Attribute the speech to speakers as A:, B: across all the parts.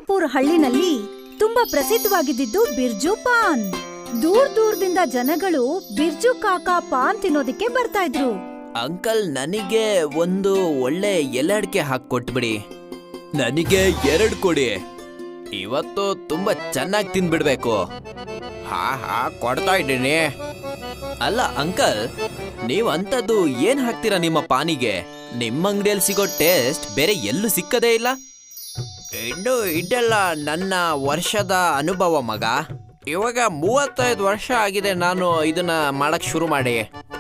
A: ದುರ್ಗಾಪುರ್ ಹಳ್ಳಿನಲ್ಲಿ ತುಂಬಾ ಪ್ರಸಿದ್ಧವಾಗಿದ್ದು ಬಿರ್ಜು ಪಾನ್. ದೂರದಿಂದ ಜನಗಳು ಬಿರ್ಜು ಕಾಕಾ ಪಾನ್ ತಿನ್ನೋದಿಕ್ಕೆ ಬರ್ತಾ ಇದ್ರು.
B: ಅಂಕಲ್, ನನಗೆ ಒಂದು ಒಳ್ಳೆ ಎಲೆ ಅಡಿಕೆ ಹಾಕೊಟ್ಬಿಡಿ. ನನಗೆ 2 ಕೊಡಿ. ಇವತ್ತು ತುಂಬಾ ಚೆನ್ನಾಗಿ ತಿನ್ಬಿಡ್ಬೇಕು. ಹಾ ಕೊಡ್ತಾ ಇದ್ದೀನಿ. ಅಲ್ಲ ಅಂಕಲ್, ನೀವು ಅಂತದ್ದು ಏನ್ ಹಾಕ್ತೀರಾ ನಿಮ್ಮ ಪಾನಿಗೆ? ನಿಮ್ಮ ಅಂಗಡಿಯಲ್ಲಿ ಸಿಗೋ ಟೇಸ್ಟ್ ಬೇರೆ ಎಲ್ಲೂ ಸಿಕ್ಕದೇ ಇಲ್ಲ. ಇನ್ನು ಇದೆಲ್ಲ ನನ್ನ ವರ್ಷದ ಅನುಭವ ಮಗ. ಇವಾಗ 35 ವರ್ಷ ಆಗಿದೆ ನಾನು ಇದನ್ನ ಮಾಡಕ್ ಶುರು ಮಾಡಿ.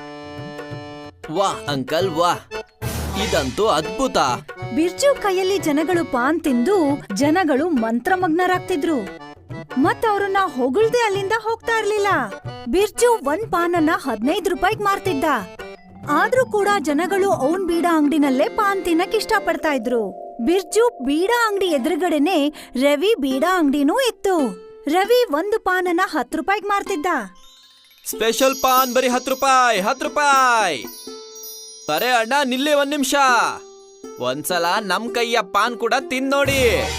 B: ವಾಹ್ ಅಂಕಲ್ ವಾಹ್, ಇದಂತೂ ಅದ್ಭುತ.
A: ಬಿರ್ಜು ಕೈಯಲ್ಲಿ ಜನಗಳು ಪಾನ್ ತಿಂದು ಜನಗಳು ಮಂತ್ರಮಗ್ನರಾಗ್ತಿದ್ರು. ಮತ್ತವ್ರನ್ನ ಹೊಗಳ್ದೆ ಅಲ್ಲಿಂದ ಹೋಗ್ತಾ ಇರ್ಲಿಲ್ಲ. ಬಿರ್ಜು ಒಂದ್ ಪಾನನ್ನ 15 ರೂಪಾಯಿಗ್ ಮಾರ್ತಿದ್ದ. ಆದ್ರೂ ಕೂಡ ಜನಗಳು ಅವನ್ ಬೀಡಾ ಅಂಗಡಿನಲ್ಲೇ ಪಾನ್ ತಿನ್ನಕ್ ಇಷ್ಟ ಪಡ್ತಾ ಇದ್ರು. ಬಿರ್ಜು ಬೀಡಾ ಅಂಗಡಿ ಎದುರುಗಡೆನೆ ರವಿ ಬೀಡಾ ಅಂಗಡಿನೂ ಇತ್ತು. ರವಿ ಒಂದು ಪಾನನ್ನ 10 ರೂಪಾಯಿಗ್ ಮಾರ್ತಿದ್ದ.
B: ಸ್ಪೆಷಲ್ ಪಾನ್ ಬರೀ 10 ರೂಪಾಯಿ, 10 ರೂಪಾಯಿ. ಅರೆ ಅಣ್ಣ, ನಿಲ್ಲಿ 1 ನಿಮಿಷ. ಒಂದ್ಸಲ ನಮ್ ಕೈಯ ಪಾನ್ ಕೂಡ ತಿನ್ನೋಡಿ.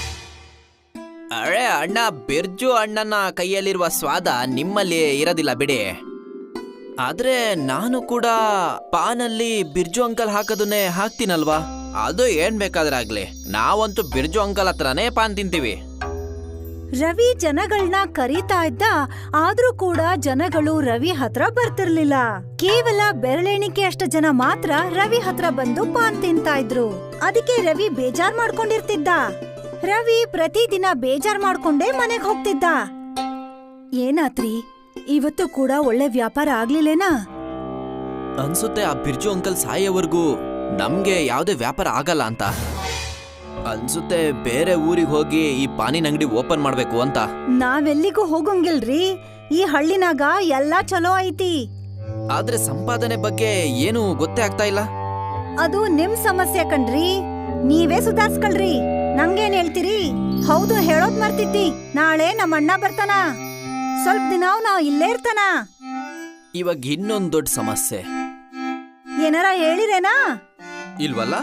B: ಅರೆ ಅಣ್ಣ, ಬಿರ್ಜು ಅಣ್ಣನ ಕೈಯಲ್ಲಿರುವ ಸ್ವಾದ ನಿಮ್ಮಲ್ಲಿ ಇರೋದಿಲ್ಲ ಬಿಡಿ. ಆದ್ರೆ ನಾನು ಕೂಡ ಪಾನಲ್ಲಿ ಬಿರ್ಜು ಅಂಕಲ್ ಹಾಕೋದನ್ನೇ ಹಾಕ್ತೀನಲ್ವಾ? ಅದು ಏನ್ ಬೇಕಾದ್ರೆ ಆಗ್ಲಿ, ನಾವಂತೂ ಬಿರ್ಜು ಅಂಕಲ್ ಹತ್ರನೇ ಪಾನ್ ತಿಂತೀವಿ.
A: ರವಿ ಜನಗಳನ್ನ ಕರೀತಾ ಇದ್ದ. ಆದ್ರೂ ಕೂಡ ಜನಗಳು ರವಿ ಹತ್ರ ಬರ್ತಿರ್ಲಿಲ್ಲ. ಕೇವಲ ಬೆರಳೆಣಿಕೆ ಅಷ್ಟ ಜನ ಮಾತ್ರ ರವಿ ಹತ್ರ ಬಂದು ಪಾನ್ ತಿಂತಾ ಇದ್ರು. ಅದಕ್ಕೆ ರವಿ ಬೇಜಾರ್ ಮಾಡ್ಕೊಂಡಿರ್ತಿದ್ದ. ರವಿ ಪ್ರತಿದಿನ ಬೇಜಾರ್ ಮಾಡ್ಕೊಂಡೇ ಮನೆಗ್ ಹೋಗ್ತಿದ್ದ. ಏನಾತ್ರಿ, ಇವತ್ತು ಕೂಡ ಒಳ್ಳೆ ವ್ಯಾಪಾರ ಆಗ್ಲಿಲ್ಲೇನಾ?
B: ಅನ್ಸುತ್ತೆ ಆ ಬಿರ್ಜು ಅಂಕಲ್ ಸಾಯೋವರೆಗೂ ನಮ್ಗೆ ಯಾವ್ದೇ ವ್ಯಾಪಾರ ಆಗಲ್ಲ ಅಂತ ಅನ್ಸುತ್ತೆ. ಬೇರೆ ಊರಿಗೆ ಹೋಗಿ ಈ ಪಾನಿನ ಅಂಗಡಿ ಓಪನ್ ಮಾಡ್ಬೇಕು ಅಂತ.
A: ನಾವೆಲ್ಲಿಗೂ ಹೋಗಂಗಿಲ್ರಿ. ಈ ಹಳ್ಳಿನಾಗ ಎಲ್ಲಾ ಚಲೋ ಐತಿ.
B: ಆದ್ರೆ ಸಂಪಾದನೆ ಬಗ್ಗೆ ಏನು ಗೊತ್ತೇ ಆಗ್ತಾ ಇಲ್ಲ.
A: ಅದು ನಿಮ್ ಸಮಸ್ಯೆ ಕಣ್ರಿ, ನೀವೇ ಸುಧಾರ್ಸ್ಕೊಳ್ರಿ. ನಂಗೇನ್ ಹೇಳ್ತೀರಿ? ಹೌದು, ಹೇಳೋದ್ ಮರ್ತಿದ್ದಿ. ನಾಳೆ ನಮ್ಮ ಅಣ್ಣ ಬರ್ತಾನ. ಸ್ವಲ್ಪ ದಿನ ನಾವ್ ಇಲ್ಲೇ ಇರ್ತಾನ.
B: ಇವಾಗ ಇನ್ನೊಂದ್ ದೊಡ್ಡ ಸಮಸ್ಯೆ.
A: ಏನಾರ ಹೇಳಿರೇನಾ?
B: ಇಲ್ವಲ್ಲ.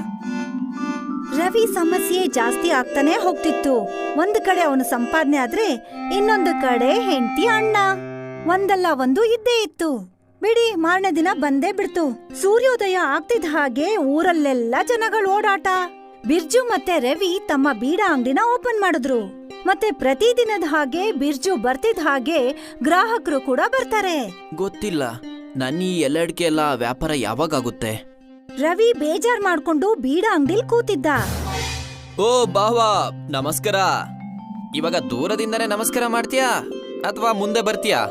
A: ರವಿ ಸಮಸ್ಯೆ ಜಾಸ್ತಿ ಆಗ್ತಾನೆ ಹೋಗ್ತಿತ್ತು. ಒಂದ್ ಕಡೆ ಅವನು ಸಂಪಾದನೆ ಆದ್ರೆ ಇನ್ನೊಂದು ಕಡೆ ಹೆಂಡತಿ ಅಣ್ಣ ಒಂದಲ್ಲ ಒಂದು ಇದ್ದೇ ಇತ್ತು. ಬಿಡಿ, ಮಾರನೇ ದಿನ ಬಂದೇ ಬಿಡ್ತು. ಸೂರ್ಯೋದಯ ಆಗ್ತಿದ್ದ ಹಾಗೆ ಊರಲ್ಲೆಲ್ಲ ಜನಗಳು ಓಡಾಟ. ಬಿರ್ಜು ಮತ್ತೆ ರವಿ ತಮ್ಮ ಬೀಡಾ ಅಂಗಡಿನ ಓಪನ್ ಮಾಡಿದ್ರು. ಮತ್ತೆ ಪ್ರತಿದಿನದ ಹಾಗೆ ಬಿರ್ಜು ಬರ್ತಿದ್ದ ಹಾಗೆ ಗ್ರಾಹಕರು ಕೂಡ ಬರ್ತಾರೆ.
B: ಗೊತ್ತಿಲ್ಲ ನನ್ನ ಈ ಎಲೆ ಅಡಿಕೆ ಎಲ್ಲ ವ್ಯಾಪಾರ ಯಾವಾಗ ಆಗುತ್ತೆ.
A: ರವಿ ಬೇಜಾರ್ ಮಾಡ್ಕೊಂಡು ಬೀಡಾ ಅಂಗಡಿಲ್ ಕೂತಿದ್ದ.
B: ಓ ಬಾವಾ, ನಮಸ್ಕಾರ. ಇವಾಗ ದೂರದಿಂದನೇ ನಮಸ್ಕಾರ ಮಾಡ್ತೀಯಾ ಅಥವಾ ಮುಂದೆ ಬರ್ತೀಯಾ?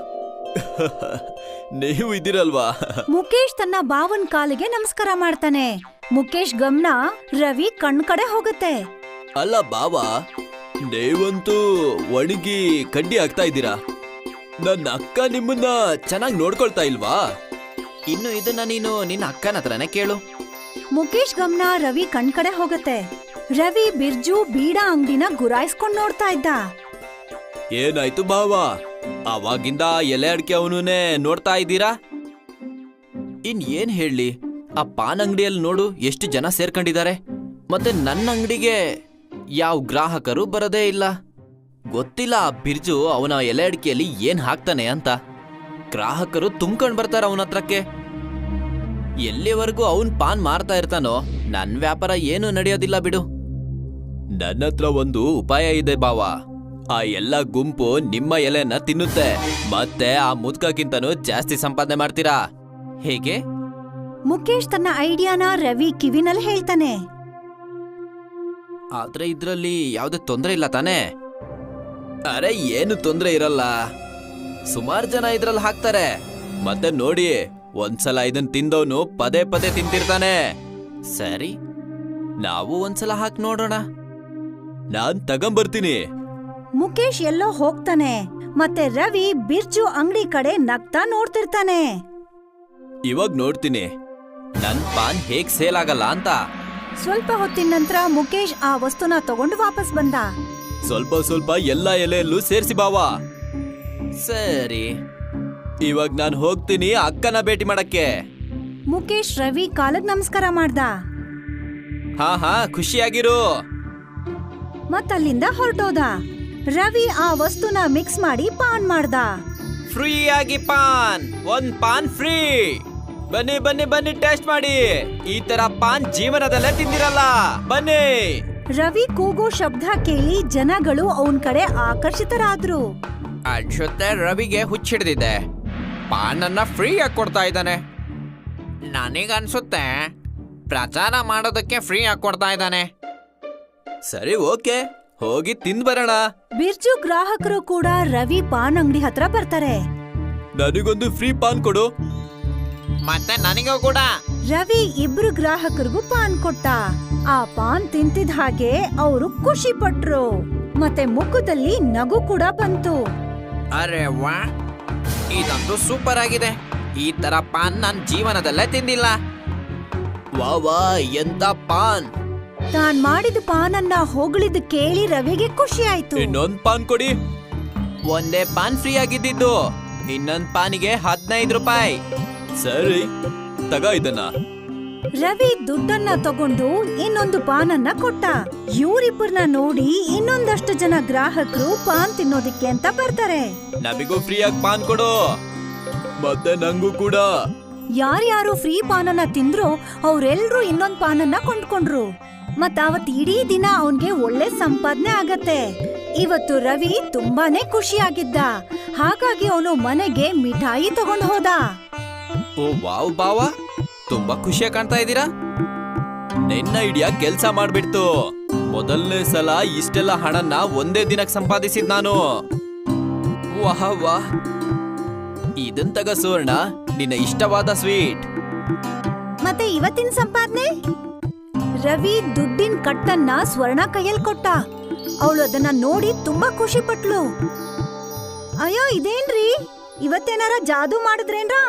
B: ನೀವು ಇದ್ದೀರಲ್ವಾ?
A: ಮುಕೇಶ್ ತನ್ನ ಬಾವನ್ ಕಾಲಿಗೆ ನಮಸ್ಕಾರ ಮಾಡ್ತಾನೆ. ಮುಕೇಶ್ ಗಮನ ರವಿ ಕಣ್ ಕಡೆ ಹೋಗುತ್ತೆ.
B: ಅಲ್ಲ ಬಾವಾ, ನೀವಂತೂ ಒಣಗಿ ಕಡ್ಡಿ ಆಗ್ತಾ ಇದ್ದೀರಾ. ನನ್ನ ಅಕ್ಕ ನಿಮ್ಮನ್ನ ಚೆನ್ನಾಗಿ ನೋಡ್ಕೊಳ್ತಾ ಇಲ್ವಾ? ಇನ್ನು ಇದನ್ನ ನೀನು ನಿನ್ನ ಅಕ್ಕನ ಹತ್ರನೇ ಕೇಳು.
A: ಮುಕೇಶ್ ಗಮನ ರವಿ ಕಣ್ ಕಡೆ ಹೋಗುತ್ತೆ. ರವಿ ಬಿರ್ಜು ಬೀಡಾ ಅಂಗಡಿನ ಗುರಾಯಿಸ್ಕೊಂಡ್ ನೋಡ್ತಾ ಇದ್ದ.
B: ಏನಾಯ್ತು ಬಾವಾ, ಅವಾಗಿಂದ ಎಲೆ ಅಡಿಕೆ ಅವನೇ ನೋಡ್ತಾ ಇದ್ದೀರಾ? ಏನ್ ಹೇಳಿ, ಆ ಪಾನ್ ಅಂಗಡಿಯಲ್ಲಿ ನೋಡು ಎಷ್ಟು ಜನ ಸೇರ್ಕೊಂಡಿದ್ದಾರೆ. ಮತ್ತೆ ನನ್ನ ಅಂಗಡಿಗೆ ಯಾವ ಗ್ರಾಹಕರು ಬರೋದೇ ಇಲ್ಲ. ಗೊತ್ತಿಲ್ಲ ಆ ಬಿರ್ಜು ಅವನ ಎಲೆ ಅಡಿಕೆಯಲ್ಲಿ ಏನ್ ಹಾಕ್ತಾನೆ ಅಂತ. ಗ್ರಾಹಕರು ತುಂಬ್ಕೊಂಡ್ ಬರ್ತಾರ ಅವನ ಹತ್ರಕ್ಕೆ. ಎಲ್ಲಿವರೆಗೂ ಅವನ್ ಪಾನ್ ಮಾರ್ತಾ ಇರ್ತಾನೋ ನನ್ ವ್ಯಾಪಾರ ಏನು ನಡೆಯೋದಿಲ್ಲ ಬಿಡು. ನನ್ನ ಹತ್ರ ಒಂದು ಉಪಾಯ ಇದೆ ಬಾವಾ. ಆ ಎಲ್ಲ ಗುಂಪು ನಿಮ್ಮ ಎಲೆನ ತಿನ್ನುತ್ತೆ, ಮತ್ತೆ ಆ ಮುದ್ಕಕ್ಕಿಂತನೂ ಜಾಸ್ತಿ ಸಂಪಾದನೆ ಮಾಡ್ತೀರಾ. ಹೇಗೆ?
A: ಮುಕೇಶ್ ತನ್ನ ಐಡಿಯಾನ ರವಿ ಕಿವಿನಲ್ಲಿ ಹೇಳ್ತಾನೆ.
B: ಆದ್ರೆ ಇದ್ರಲ್ಲಿ ಯಾವ್ದೇ ತೊಂದ್ರೆ ಇಲ್ಲ ತಾನೇ? ಅರೆ ಏನು ತೊಂದ್ರೆ ಇರಲ್ಲ, ಸುಮಾರು ಜನ ಇದ್ರಲ್ಲಿ ಹಾಕ್ತಾರೆ. ಮತ್ತೆ ನೋಡಿ, ಒಂದ್ಸಲ ಇದನ್ ತಿಂದವನು ಪದೇ ಪದೇ ತಿಂತಿರ್ತಾನೆ. ಸರಿ, ನಾವು ಒಂದ್ಸಲ ಹಾಕಿ ನೋಡೋಣ. ನಾನ್ ತಗೊಂಬರ್ತೀನಿ.
A: ಮುಕೇಶ್ ಎಲ್ಲೋ ಹೋಗ್ತಾನೆ. ಮತ್ತೆ ರವಿ ಬಿರ್ಜು ಅಂಗಡಿ ಕಡೆ ನಗ್ತಾ ನೋಡ್ತಿರ್ತಾನೆ.
B: ಇವಾಗ ನೋಡ್ತೀನಿ ನನ್ ಪಾನ್ ಹೇಗ್ ಸೇಲ್ ಆಗಲ್ಲ ಅಂತ.
A: ಸ್ವಲ್ಪ ಹೊತ್ತಿನ ನಂತರ ಮುಕೇಶ್ ಆ ವಸ್ತುನ ತಗೊಂಡು ವಾಪಸ್ ಬಂದ.
B: ಸ್ವಲ್ಪ ಸ್ವಲ್ಪ ಎಲ್ಲ ಎಲೆಯಲ್ಲೂ ಸೇರ್ಸಿ ಬಾವಾ. ಸರಿ, ಇವಾಗ ನಾನು ಹೋಗ್ತೀನಿ ಅಕ್ಕನ ಭೇಟಿ ಮಾಡಕ್ಕೆ.
A: ಮುಕೇಶ್ ರವಿ ಕಾಲಗ್ ನಮಸ್ಕಾರ ಮಾಡ್ದ.
B: ಹಾ ಖುಷಿಯಾಗಿರು.
A: ಮತ್ತಲ್ಲಿಂದ ಹೊರಟೋದ. ರವಿ ಆ ವಸ್ತುನ ಮಿಕ್ಸ್ ಮಾಡಿ ಪಾನ್ ಮಾಡ್ದ.
B: ಫ್ರೀ ಆಗಿ ಪಾನ್, ಒಂದ್ ಪಾನ್ ಫ್ರೀ. ಬನ್ನಿ ಬನ್ನಿ ಬನ್ನಿ ಟೇಸ್ಟ್ ಮಾಡಿ. ಈ ತರ ಪಾನ್ ಜೀವನದಲ್ಲೇ ತಿಂದಿರಲ್ಲ, ಬನ್ನಿ.
A: ರವಿ ಕೂಗೋ ಶಬ್ದ ಕೇಳಿ ಜನಗಳು ಅವನ್ ಕಡೆ ಆಕರ್ಷಿತರಾದ್ರು.
B: ಅನ್ಸುತ್ತೆ ರವಿಗೆ ಹುಚ್ಚಿಡ್ದಿದೆ, ಪಾನನ್ನ ಫ್ರೀ ಆಗಿ ಕೊಡ್ತಾ ಇದ್ದಾನೆ. ನನಗನ್ಸುತ್ತೆ ಪ್ರಚಾರ ಮಾಡೋದಕ್ಕೆ ಫ್ರೀ ಆಗಿ ಕೊಡ್ತಾ ಇದ್ದಾನೆ. ಸರಿ, ಓಕೆ, ಹೋಗಿ ತಿಂದ್ ಬರೋಣ.
A: ಬಿರ್ಜು ಗ್ರಾಹಕರು ಕೂಡ ರವಿ ಪಾನ್ ಅಂಗಡಿ ಹತ್ರ ಬರ್ತಾರೆ.
B: ನನಗೊಂದು ಫ್ರೀ ಪಾನ್ ಕೊಡು. ಮತ್ತೆ ನನಗೂ ಕೂಡ.
A: ರವಿ ಇಬ್ರು ಗ್ರಾಹಕರಿಗೂ ಪಾನ್ ಕೊಟ್ಟ. ಆ ಪಾನ್ ತಿಂತಿದ ಹಾಗೆ ಅವರು ಖುಷಿ ಪಟ್ರು. ಮತ್ತೆ ಮುಖದಲ್ಲಿ ನಗು ಕೂಡ ಬಂತು.
B: ಅರೆ ವಾ, ಇದಂತೂ ಸೂಪರ್ ಆಗಿದೆ. ಈ ತರ ಪಾನ್ ನಾನ್ ಜೀವನದಲ್ಲೇ ತಿಂದಿಲ್ಲ. ವಾ ವಾ, ಎಂತ ಪಾನ್.
A: ತಾನ್ ಮಾಡಿದ ಪಾನನ್ನ ಹೊಗಳಿದ್ ಕೇಳಿ ರವಿಗೆ ಖುಷಿ ಆಯ್ತು.
B: ಇನ್ನೊಂದ್ ಪಾನ್ ಕೊಡಿ. ಒಂದೇ ಪಾನ್ ಫ್ರೀ ಆಗಿದ್ದು, ಇನ್ನೊಂದ್ ಪಾನಿಗೆ 15 ರೂಪಾಯಿ. ಸರಿ, ತಗ ಇದನ್ನ.
A: ರವಿ ದುಡ್ಡನ್ನ ತಗೊಂಡು ಇನ್ನೊಂದು ಪಾನನ್ನ ಕೊಟ್ಟ. ಇವರಿಬ್ಬರನ್ನ ನೋಡಿ ಇನ್ನೊಂದಷ್ಟು ಜನ ಗ್ರಾಹಕರು ಪಾನ್ ತಿನ್ನೋದಿಕ್ಕೆ ಅಂತ ಬರ್ತಾರೆ.
B: ನಮಿಗೂ ಫ್ರೀ ಆಗಿ ಪಾನ್ ಕೊಡು, ಮತ್ತೆ ನಂಗೂ ಕೂಡ.
A: ಯಾರ್ಯಾರು ಫ್ರೀ ಪಾನನ್ನ ತಿಂದ್ರೋ ಅವ್ರೆಲ್ರೂ ಇನ್ನೊಂದ್ ಪಾನನ್ನ ಕೊಂಡ್ಕೊಂಡ್ರು. ಮತ್ ಅವತ್ ಇಡೀ ದಿನ ಅವನ್ಗೆ ಒಳ್ಳೆ ಸಂಪಾದನೆ ಆಗತ್ತೆ. ಇವತ್ತು ರವಿ ತುಂಬಾನೇ ಖುಷಿಯಾಗಿದ್ದ. ಹಾಗಾಗಿ ಅವನು ಮನೆಗೆ ಮಿಠಾಯಿ ತಗೊಂಡ್ ಹೋದ.
B: ಓ ವಾವ್ ಬಾವ, ತುಂಬಾ ಖುಷಿಯಾಗಿ ಕಾಣ್ತಾ ಇದ್ದೀರಾ. ನಿನ್ನ ಐಡಿಯಾ ಕೆಲ್ಸ ಮಾಡ್ಬಿಡ್ತು. ಮೊದಲನೇ ಸಲ ಇಷ್ಟೆಲ್ಲ ಹಣನ ಒಂದೇ ದಿನಕ್ಕೆ ಸಂಪಾದಿಸಿದ್ ನಾನು. ವಾಹ್ ವಾಹ್, ಇದನ್ ತಗ ಸುವರ್ಣ, ನಿನ್ನ ಇಷ್ಟವಾದ ಸ್ವೀಟ್.
A: ಮತ್ತೆ ಇವತ್ತಿನ ಸಂಪಾದನೆ? ರವಿ ದುಡ್ಡಿನ ಕಟ್ಟನ್ನ ಸ್ವರ್ಣ ಕೈಯಲ್ಲಿ ಕೊಟ್ಟ. ಅವಳು ಅದನ್ನ ನೋಡಿ ತುಂಬಾ ಖುಷಿ ಪಟ್ಲು. ಅಯ್ಯೋ, ಇದೇನ್ರಿ, ಇವತ್ತೇನಾರ ಜಾದೂ ಮಾಡಿದ್ರೇನ್ರಾ?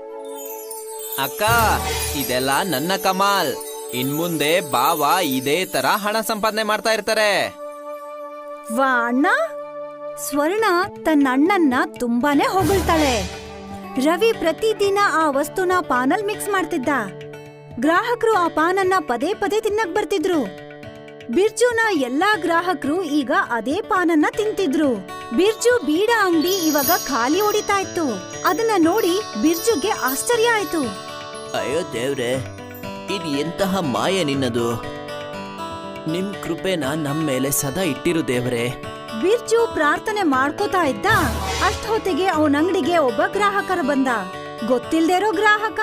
B: ಅಕ್ಕ, ಇದೆಲ್ಲ ನನ್ನ ಕಮಾಲ್. ಇನ್ಮುಂದೆ ಬಾವ ಇದೇ ತರ ಹಣ ಸಂಪಾದನೆ ಮಾಡ್ತಾ ಇರ್ತಾರೆ.
A: ವಾ ಅಣ್ಣ. ಸ್ವರ್ಣ ತನ್ನ ಅಣ್ಣನ್ನ ತುಂಬಾನೇ ಹೊಗಳ್ತಾಳೆ. ರವಿ ಪ್ರತಿದಿನ ಆ ವಸ್ತುನ ಪಾನಲ್ ಮಿಕ್ಸ್ ಮಾಡ್ತಿದ್ದ. ಗ್ರಾಹಕರು ಆ ಪಾನನ್ನ ಪದೇ ಪದೇ ತಿನ್ನಕ್ ಬರ್ತಿದ್ರು. ಬಿರ್ಜುನ ಎಲ್ಲಾ ಗ್ರಾಹಕರು ಈಗ ಅದೇ ಪಾನನ್ನ ತಿಂತಿದ್ರು. ಬಿರ್ಜು ಬೀಡ ಅಂಗಡಿ ಇವಾಗ ಖಾಲಿ ಹೊಡಿತಾ ಇತ್ತು. ಅದನ್ನ ನೋಡಿ ಬಿರ್ಜುಗೆ ಆಶ್ಚರ್ಯ ಆಯ್ತು.
B: ಅಯ್ಯೋ ದೇವ್ರೆ, ಇದು ಎಂತಹ ಮಾಯ ನಿನ್ನದು. ನಿಮ್ ಕೃಪೆನ ನಮ್ ಮೇಲೆ ಸದಾ ಇಟ್ಟಿರು ದೇವ್ರೆ.
A: ಬಿರ್ಜು ಪ್ರಾರ್ಥನೆ ಮಾಡ್ಕೋತಾ ಇದ್ದ. ಅಷ್ಟೊತ್ತಿಗೆ ಅವನ ಅಂಗಡಿಗೆ ಒಬ್ಬ ಗ್ರಾಹಕರ ಬಂದ. ಗೊತ್ತಿಲ್ದೇ ಇರೋ ಗ್ರಾಹಕ.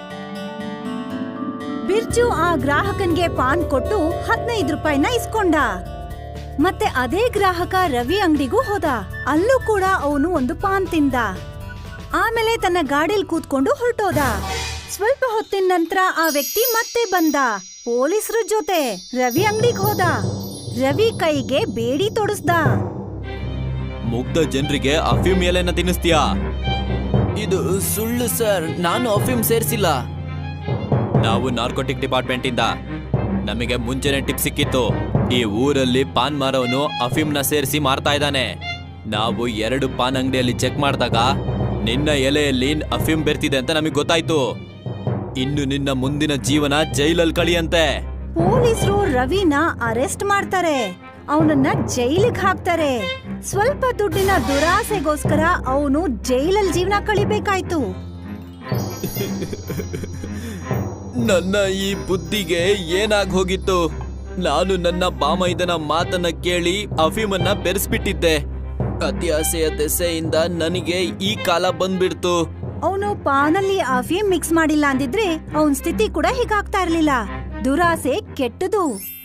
A: ಬಿರ್ಜು ಆ ಗ್ರಾಹಕನ್ಗೆ ಪಾನ್ ಕೊಟ್ಟು 15 ರೂಪಾಯಿನ ಇಸ್ಕೊಂಡ. ಮತ್ತೆ ಅದೇ ಗ್ರಾಹಕ ರವಿ ಅಂಗಡಿಗೂ ಹೋದ. ಅಲ್ಲೂ ಕೂಡ ಅವನು ಒಂದು ಪಾನ್ ತಿಂದ. ಆಮೇಲೆ ತನ್ನ ಗಾಡಿಲ್ ಕೂತ್ಕೊಂಡು ಹೊರಟೋದ. ಸ್ವಲ್ಪ ಹೊತ್ತಿನ ನಂತರ ಆ ವ್ಯಕ್ತಿ ಮತ್ತೆ ಬಂದ, ಪೊಲೀಸರ ಜೊತೆ. ರವಿ ಅಂಗಡಿಗೆ ಹೋದ. ರವಿ ಕೈಗೆ ಬೇಡಿ ತೊಡಸ್ದ.
B: ಮುಗ್ಧ ಜನರಿಗೆ ಅಫೀಮ್ ಎಲೆನ ತಿನ್ನಿಸ್ತೀಯಾ? ಇದು ಸುಳ್ಳು ಸರ್, ನಾನು ಅಫೀಮ್ ಸೇರಿಸಿಲ್ಲ. ನಾವು ನಾರ್ಕೋಟಿಕ್ ಡಿಪಾರ್ಟ್ಮೆಂಟ್ ಇಂದ ನಮಗೆ ಮುಂಚೆನೆ ಟಿಪ್ ಸಿಕ್ಕಿತ್ತು. ಈ ಊರಲ್ಲಿ ಪಾನ್ ಮಾರವನು ಅಫೀಮ್ನ ಸೇರಿಸಿ ಮಾರ್ತಾ ಇದ್ದಾನೆ. ನಾವು 2 ಪಾನ್ ಅಂಗಡಿಯಲ್ಲಿ ಚೆಕ್ ಮಾಡಿದಾಗ ನಿನ್ನ ಎಲೆಯಲ್ಲಿ ಅಫೀಮ್ ಬೆರ್ತಿದೆ ಅಂತ ನಮಗೆ ಗೊತ್ತಾಯ್ತು. ಇನ್ನು ನಿನ್ನ ಮುಂದಿನ ಜೀವನ ಜೈಲಲ್ಲಿ ಕಳಿಯಂತೆ.
A: ಪೊಲೀಸರು ರವಿನ ಅರೆಸ್ಟ್ ಮಾಡ್ತಾರೆ. ಅವನನ್ನ ಜೈಲಿಗೆ ಹಾಕ್ತಾರೆ. ಸ್ವಲ್ಪ ದುಡ್ಡಿನ ದುರಾಸೆಗೋಸ್ಕರ ಅವನು ಜೈಲಲ್ಲಿ ಜೀವನ ಕಳಿಬೇಕಾಯ್ತು.
B: ನನ್ನ ಈ ಬುದ್ಧಿಗೆ ಏನಾಗ್ ಹೋಗಿತ್ತು. ನಾನು ನನ್ನ ಬಾಮೈದನ ಮಾತನ್ನ ಕೇಳಿ ಅಫೀಮನ್ನ ಬೆರೆಸ್ಬಿಟ್ಟಿದ್ದೆ. ಅತ್ಯಾಸೆಯ ದೆಸೆಯಿಂದ ನನಗೆ ಈ ಕಾಲ ಬಂದ್ಬಿಡ್ತು.
A: ಅವನು ಪಾನಲ್ಲಿ ಅಫೀಮ್ ಮಿಕ್ಸ್ ಮಾಡಿಲ್ಲ ಅಂದಿದ್ರೆ ಅವನ್ ಸ್ಥಿತಿ ಕೂಡ ಹೀಗಾಗ್ತಾ ಇರ್ಲಿಲ್ಲ. ದುರಾಸೆ ಕೆಟ್ಟದು.